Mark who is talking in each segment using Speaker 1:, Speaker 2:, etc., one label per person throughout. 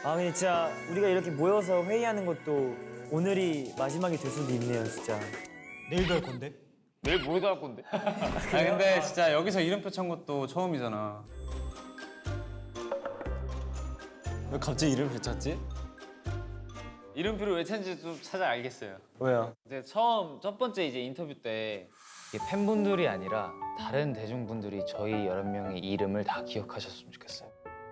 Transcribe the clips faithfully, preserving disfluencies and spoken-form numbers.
Speaker 1: 아 근데 진짜 우리가 이렇게 모여서 회의하는 것도 오늘이 마지막이 될 수도 있네요, 진짜.
Speaker 2: 내일도 할 건데?
Speaker 3: 내일 모레도 할 건데.
Speaker 4: 아 근데 진짜 여기서 이름표 찬 것도 처음이잖아.
Speaker 2: 왜 갑자기 이름을 찾지?
Speaker 3: 이름표를 왜 찾는지 좀 찾아 알겠어요.
Speaker 1: 왜요?
Speaker 3: 이제 처음 첫 번째 이제 인터뷰 때 이게 팬분들이 아니라 다른 대중분들이 저희 여러 명의 이름을 다 기억하셨으면 좋겠어요.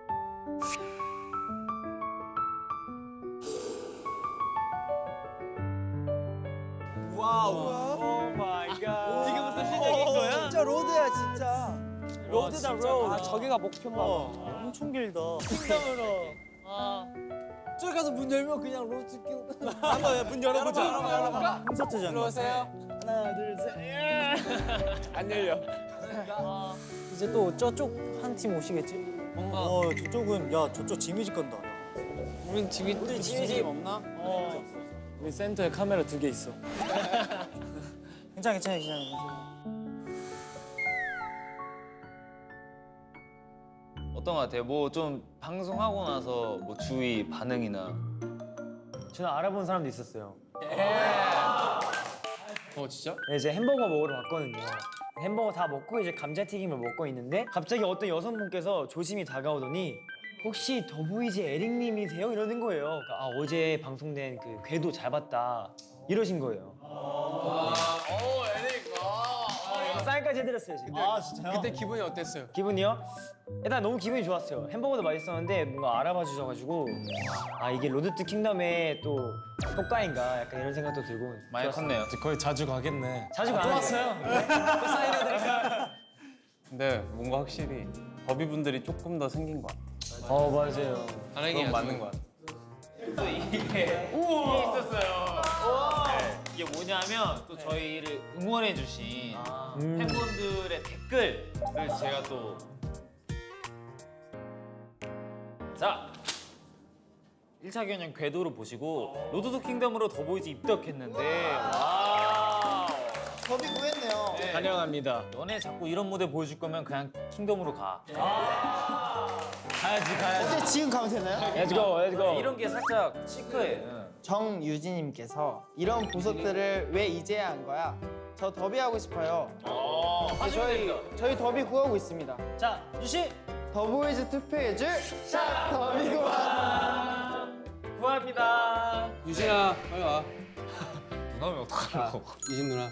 Speaker 1: 오 마이 갓.
Speaker 3: 지금부터 시작인 거야?
Speaker 1: 진짜 로드야, 진짜. 로드다, 로드.
Speaker 5: 아 저기가 목표인가 봐.
Speaker 1: 엄청 길다.
Speaker 5: 킹덤으로.
Speaker 1: 저기 가서 문 열면 그냥 로드 끼고.
Speaker 5: 한번 문 열어보자. 열어봐, 열어봐.
Speaker 1: 콘서트잖아.
Speaker 5: 들어오세요.
Speaker 1: 하나, 둘, 셋.
Speaker 5: 안 열려.
Speaker 1: 이제 또 저쪽 한 팀 오시겠지?
Speaker 5: 뭔가
Speaker 2: 어 저쪽은 야 저쪽 지뮤직 간다.
Speaker 5: 우린 집이
Speaker 1: 우리 지뮤직
Speaker 5: 없나?
Speaker 1: 어.
Speaker 5: 우리 센터에 카메라 두 개 있어.
Speaker 1: 괜찮아, 괜찮아, 괜찮아.
Speaker 3: 어떤 거 같아요? 뭐 좀 방송하고 나서 뭐 주위 반응이나.
Speaker 1: 저는 알아본 사람도 있었어요.
Speaker 5: 어 진짜?
Speaker 1: 네, 이제 햄버거 먹으러 갔거든요. 햄버거 다 먹고 이제 감자튀김을 먹고 있는데 갑자기 어떤 여성분께서 조심히 다가오더니 혹시 더보이즈 에릭님이세요? 이러는 거예요. 그러니까 아, 어제 방송된 그 궤도 잘 봤다 이러신 거예요.
Speaker 5: 오 에릭.
Speaker 1: 사인까지 해드렸어요 지금.
Speaker 2: 아 진짜요?
Speaker 5: 그때 기분이 어땠어요?
Speaker 1: 기분이요? 일단 너무 기분이 좋았어요. 햄버거도 맛있었는데 뭔가 알아봐 주셔가지고 아 이게 로드 투 킹덤의 또 효과인가 약간 이런 생각도 들고
Speaker 3: 많이
Speaker 1: 좋았어요.
Speaker 3: 컸네요.
Speaker 2: 거의 자주 가겠네.
Speaker 1: 자주 가는
Speaker 5: 왔어요? 또 사인해드릴까요?
Speaker 4: 근데 뭔가 확실히 더비 분들이 조금 더 생긴 것 같아.
Speaker 1: 어 맞아요.
Speaker 5: 다행이야.
Speaker 4: 그건 맞는 것 같아.
Speaker 3: 또 이게 이게 있었어요. 네, 이게 뭐냐면 또 저희를 응원해주신
Speaker 1: 음.
Speaker 3: 팬분들의 댓글을 제가 또 자. 일 차 경연 궤도로 보시고 로드 투 킹덤으로 더보이즈 입덕했는데 와
Speaker 1: 더비 구했네요.
Speaker 3: 네.
Speaker 5: 환영합니다.
Speaker 3: 너네 자꾸 이런 무대 보여줄 거면 그냥 킹덤으로 가.
Speaker 5: 가야지 가야지.
Speaker 6: 어때 지금 가면 되나요?
Speaker 1: Let's go, let's go.
Speaker 3: 이런 게 살짝 시크해.
Speaker 6: 정유진님께서 이런 보석들을 왜 이제야 한 거야? 저 더비 하고 싶어요.
Speaker 3: 어, 하시면
Speaker 6: 저희
Speaker 3: 됩니다.
Speaker 6: 저희 더비 구하고 있습니다.
Speaker 1: 자 유시.
Speaker 6: 더보이즈 투표해줄 샵 더비구만.
Speaker 3: 구합니다.
Speaker 5: 유진아 빨리 와.
Speaker 3: 누나면 어떡하려고.
Speaker 5: 유진 누나.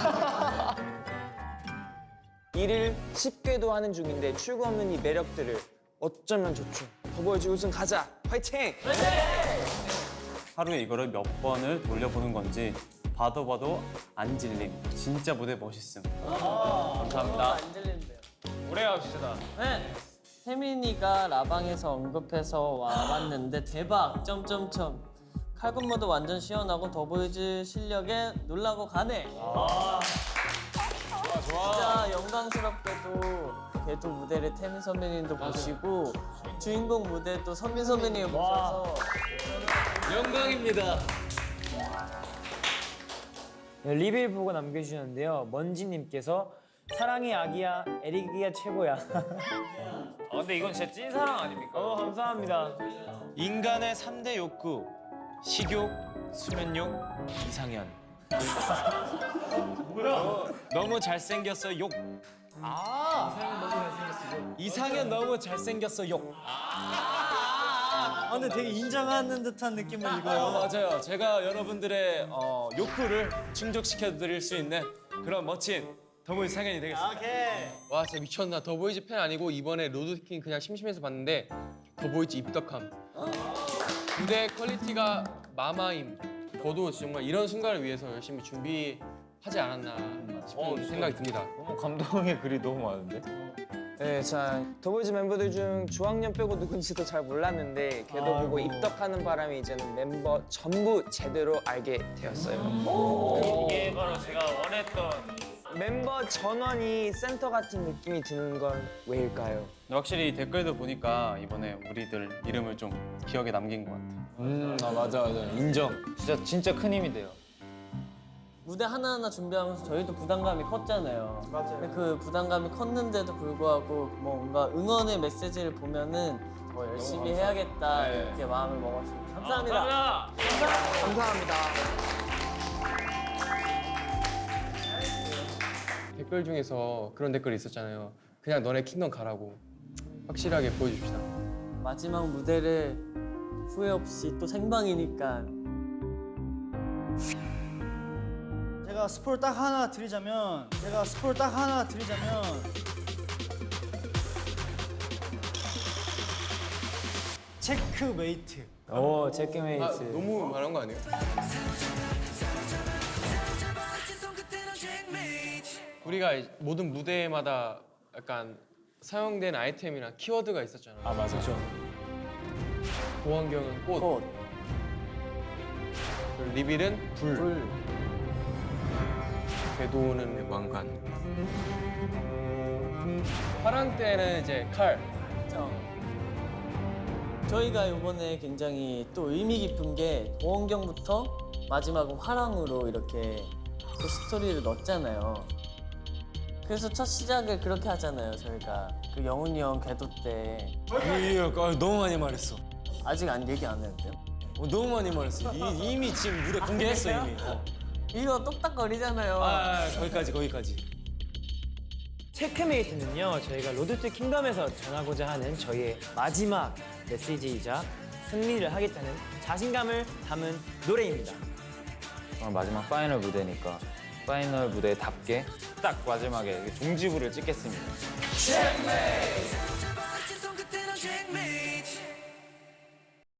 Speaker 7: 일을 쉽게도 하는 중인데 출구 없는 이 매력들을 어쩌면 좋죠. 더보이즈 우승 가자. 화이팅!
Speaker 4: 하루에 이거를 몇 번을 돌려보는 건지 봐도 봐도 안 질림. 진짜 무대 멋있음.
Speaker 3: 감사합니다.
Speaker 5: 안 들린대요.
Speaker 3: 오래 갑시다.
Speaker 5: 네. 태민이가 라방에서 언급해서 와봤는데 대박 점점점 칼군무도 완전 시원하고 더보이즈 실력에 놀라고 가네. 아. 좋아 좋아. 진짜 영광스럽게도 궤도 무대를 태민 선배님도 보시고 주인공 무대도 선민 선배님이 보셔서 영광입니다.
Speaker 1: 네, 리뷰 보고 남겨주셨는데요. 먼지님께서 사랑해 아기야, 에릭이가 최고야.
Speaker 3: 아 근데 이건 진짜 찐사랑 아닙니까?
Speaker 1: 어 감사합니다.
Speaker 2: 인간의 삼 대 욕구 식욕, 수면욕, 이상현. 뭐야? 너무 잘생겼어 욕. 아 이상현 너무 잘생겼어 욕. 이상현 너무 잘생겼어 욕. 아 근데 되게 인정하는 듯한 느낌을
Speaker 8: 어,
Speaker 2: 이거요.
Speaker 8: 맞아요. 제가 여러분들의 어, 욕구를 충족시켜 드릴 수 있는 그런 멋진 더보이즈 상현이 되겠습니다.
Speaker 1: 오케이.
Speaker 5: 와 진짜 미쳤나. 더보이즈 팬 아니고 이번에 로드킹 그냥 심심해서 봤는데 더보이즈 입덕함. 무대 퀄리티가 마마임. 저도 정말 이런 순간을 위해서 열심히 준비하지 않았나 싶은
Speaker 3: 어,
Speaker 5: 생각이 듭니다.
Speaker 3: 너무 감동의 글이 너무 많은데?
Speaker 7: 네, 자 더보이즈 멤버들 중 주학년 빼고 누군지도 잘 몰랐는데 걔도 보고 입덕하는 바람에 이제는 멤버 전부 제대로 알게 되었어요.
Speaker 3: 이게 바로 제가 원했던
Speaker 7: 멤버 전원이 센터 같은 느낌이 드는 건 왜일까요?
Speaker 4: 근데 확실히 댓글도 보니까 이번에 우리들 이름을 좀 기억에 남긴 것 같아.
Speaker 8: 음, 아 맞아 맞아. 인정.
Speaker 3: 진짜 진짜 큰 힘이 돼요.
Speaker 5: 무대 하나하나 준비하면서 저희도 부담감이 컸잖아요. 맞아요. 근데 그 부담감이 컸는데도 불구하고 뭔가 응원의 메시지를 보면은
Speaker 9: 더 열심히 해야겠다 이렇게 마음을 먹었습니다. 감사합니다.
Speaker 6: 감사합니다.
Speaker 5: 댓글 중에서 그런 댓글이 있었잖아요. 그냥 너네 킹덤 가라고. 확실하게 보여줍시다.
Speaker 9: 마지막 무대를 후회 없이 또 생방이니까
Speaker 10: 제가 스포를 딱 하나 드리자면 제가 스포를 딱 하나 드리자면 체크메이트.
Speaker 1: 오 체크메이트.
Speaker 5: 아, 너무 말한 거 아니에요? 우리가 이- 모든 무대마다 약간 사용된 아이템이나 키워드가 있었잖아요.
Speaker 8: 아 맞아.
Speaker 5: 보안경은 꽃,
Speaker 9: 꽃,
Speaker 5: 그리고 리빌은 불,
Speaker 9: 불,
Speaker 5: 궤도는 왕관, 화랑 때는 이제 칼.
Speaker 9: 정. 저희가 이번에 굉장히 또 의미 깊은 게 도원경부터 마지막은 화랑으로 이렇게 또 스토리를 넣었잖아요. 그래서 첫 시작을 그렇게 하잖아요. 저희가 그 영훈이 형 궤도 때
Speaker 8: 예, 아, 너무 많이 말했어.
Speaker 9: 아직 안 얘기 안 했대요.
Speaker 8: 어, 너무 많이 말했어. 이, 이미 지금 무대 공개했어 이미. 어.
Speaker 9: 이거 똑딱거리잖아요.
Speaker 8: 아, 아 거기까지 거기까지.
Speaker 1: 체크메이트는요 저희가 로드 투 킹덤에서 전하고자 하는 저희의 마지막 메시지이자 승리를 하겠다는 자신감을 담은 노래입니다.
Speaker 3: 오늘 마지막 파이널 무대니까 파이널 무대답게 딱 마지막에 종지부를 찍겠습니다.